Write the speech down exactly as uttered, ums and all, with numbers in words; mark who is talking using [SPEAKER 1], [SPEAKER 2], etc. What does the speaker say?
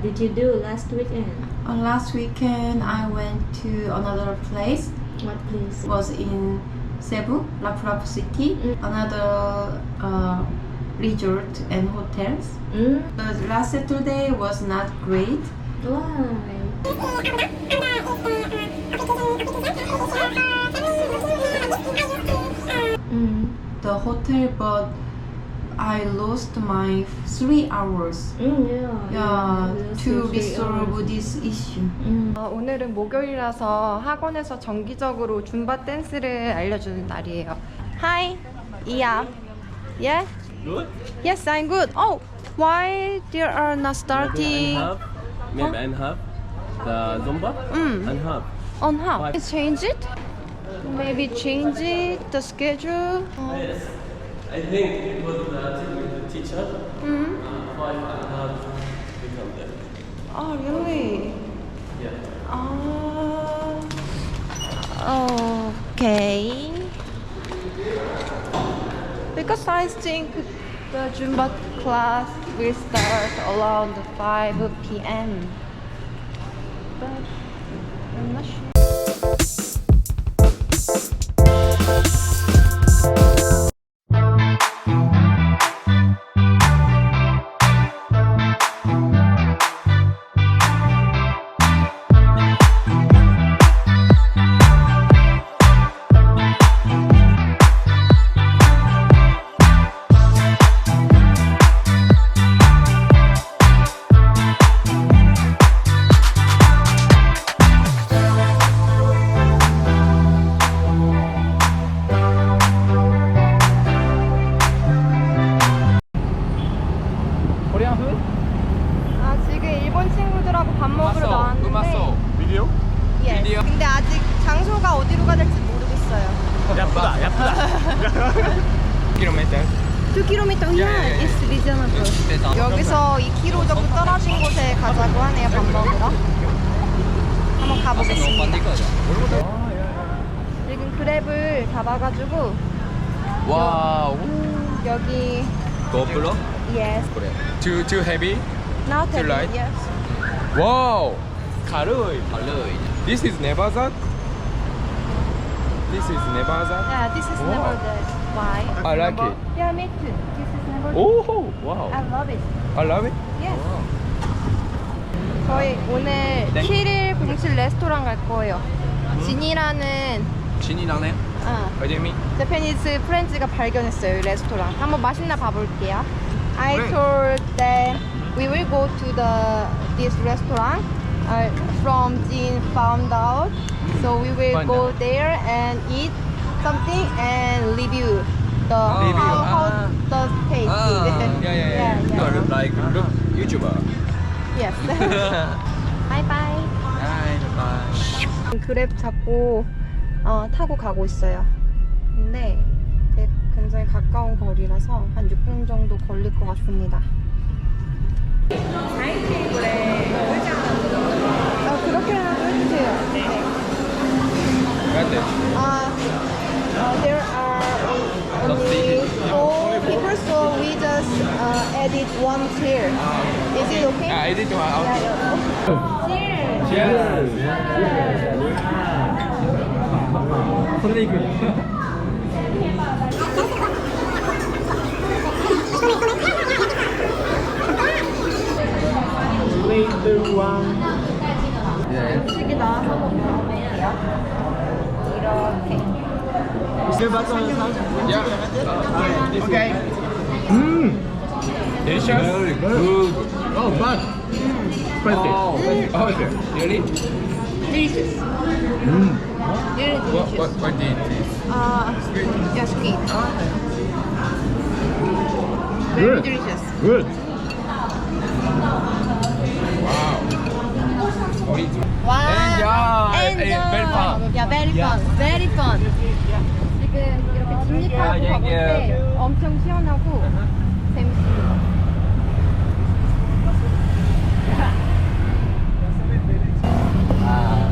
[SPEAKER 1] did you do last weekend?
[SPEAKER 2] Uh, last weekend I went to another place.
[SPEAKER 1] What place?
[SPEAKER 2] It was in Cebu, Lapu-Lapu City.
[SPEAKER 1] Mm.
[SPEAKER 2] Another uh, resort and hotels.
[SPEAKER 1] Mm.
[SPEAKER 2] The last Saturday was not great.
[SPEAKER 1] Why? Mm.
[SPEAKER 2] The hotel, but I lost my three hours.
[SPEAKER 1] Mm, yeah.
[SPEAKER 2] Yeah,
[SPEAKER 1] yeah,
[SPEAKER 2] to
[SPEAKER 1] three
[SPEAKER 2] resolve
[SPEAKER 1] hours.
[SPEAKER 2] this issue.
[SPEAKER 1] Mm.
[SPEAKER 3] 어, 오늘은 목요일이라서 학원에서 정기적으로 줌바 댄스를 알려주는 날이에요. Hi, yeah, yeah.
[SPEAKER 4] Good?
[SPEAKER 3] Yes, I'm good. Oh, why there are not starting
[SPEAKER 4] Maybe and half. The Zumba
[SPEAKER 3] Mm.
[SPEAKER 4] and half.
[SPEAKER 3] on how?
[SPEAKER 4] Five.
[SPEAKER 3] Change it? Maybe change it the schedule. Oh.
[SPEAKER 4] Yes. I think it was the teacher.
[SPEAKER 3] Mm.
[SPEAKER 4] Uh, five and half become there.
[SPEAKER 3] Oh, really?
[SPEAKER 4] Yeah.
[SPEAKER 3] Uh, okay. Because I think the Zumba class will start around five p m But I'm not sure.
[SPEAKER 5] Korean food?
[SPEAKER 3] 아, 지금 일본 친구들하고 밥 먹으러 나왔는데
[SPEAKER 5] 비디오?
[SPEAKER 3] Yes.
[SPEAKER 5] 비디오?
[SPEAKER 3] 근데 아직 장소가 어디로 가야 될지 모르겠어요.
[SPEAKER 5] 야쁘다 야쁘다 킬로미터
[SPEAKER 3] two kilometers, yeah, it's reasonable. 여기서 two 킬로미터 정도 떨어진 곳에 가자고 하네요, 밥 먹으러. 한번 가보겠습니다. 지금 그랩을 잡아가지고
[SPEAKER 5] 와우
[SPEAKER 3] 여기
[SPEAKER 5] GoPro?
[SPEAKER 3] yes,
[SPEAKER 5] 그래 Too, too heavy?
[SPEAKER 3] not
[SPEAKER 5] Too
[SPEAKER 3] heavy,
[SPEAKER 5] light?
[SPEAKER 3] yes.
[SPEAKER 5] 와우 가르이 가르이 This is Nevazat? This is Nevazat?
[SPEAKER 3] Yeah, this is
[SPEAKER 5] Wow.
[SPEAKER 3] never the why.
[SPEAKER 5] I like it
[SPEAKER 3] Yeah, me too. This is never.
[SPEAKER 5] Oh wow
[SPEAKER 3] I love it.
[SPEAKER 5] I love it
[SPEAKER 3] Yes. 저희 오늘
[SPEAKER 5] 네.
[SPEAKER 3] 칠일공칠 레스토랑 갈 거예요. 진이라는
[SPEAKER 5] 진이라네
[SPEAKER 3] 어,
[SPEAKER 5] 어디미?
[SPEAKER 3] 제페니스 프렌즈가 발견했어요, 이 레스토랑. 한번 맛있나 봐볼게요. I
[SPEAKER 5] 그래.
[SPEAKER 3] told them we will go to the this restaurant. Uh, from Jin found out, so we will
[SPEAKER 5] Find
[SPEAKER 3] go
[SPEAKER 5] out.
[SPEAKER 3] there and eat something and review the
[SPEAKER 5] Review,
[SPEAKER 3] how, how
[SPEAKER 5] ah.
[SPEAKER 3] the taste.
[SPEAKER 5] 아, yeah, yeah, yeah.
[SPEAKER 3] yeah,
[SPEAKER 5] No, look like look YouTuber.
[SPEAKER 3] Yes. bye bye.
[SPEAKER 5] Bye, bye.
[SPEAKER 3] 그랩 잡고 어, 타고 가고 있어요. 근데 되게 굉장히 가까운 거리라서 한 육 분 정도 걸릴 것 같습니다. 아, 그렇게라도 해주세요. 네.
[SPEAKER 5] Right
[SPEAKER 3] Uh, uh, there are only four people, so we just uh, added one chair. Is it okay?
[SPEAKER 5] 아, 에디트 와.
[SPEAKER 3] Yeah, yeah. Cheers! 음식이 나와서 먹어볼게요. 이렇게.
[SPEAKER 5] Yeah. Okay. Mmm. Delicious. Very good. Oh, but spicy. Oh, oh, okay. Really?
[SPEAKER 3] Delicious.
[SPEAKER 5] Mm.
[SPEAKER 3] Really
[SPEAKER 5] What,
[SPEAKER 3] delicious.
[SPEAKER 5] what, what did it taste?
[SPEAKER 3] Uh, yeah, sweet. Very
[SPEAKER 5] Good.
[SPEAKER 3] delicious.
[SPEAKER 5] Good. Wow.
[SPEAKER 3] Wow.
[SPEAKER 5] Enjoy.
[SPEAKER 3] Enjoy.
[SPEAKER 5] Eh, very fun.
[SPEAKER 3] Yeah, very fun. Very fun. 지금 이렇게 진입하고
[SPEAKER 5] Yeah,
[SPEAKER 3] 가볼
[SPEAKER 5] yeah.
[SPEAKER 3] 때 엄청 시원하고 재밌습니다.
[SPEAKER 5] Ah.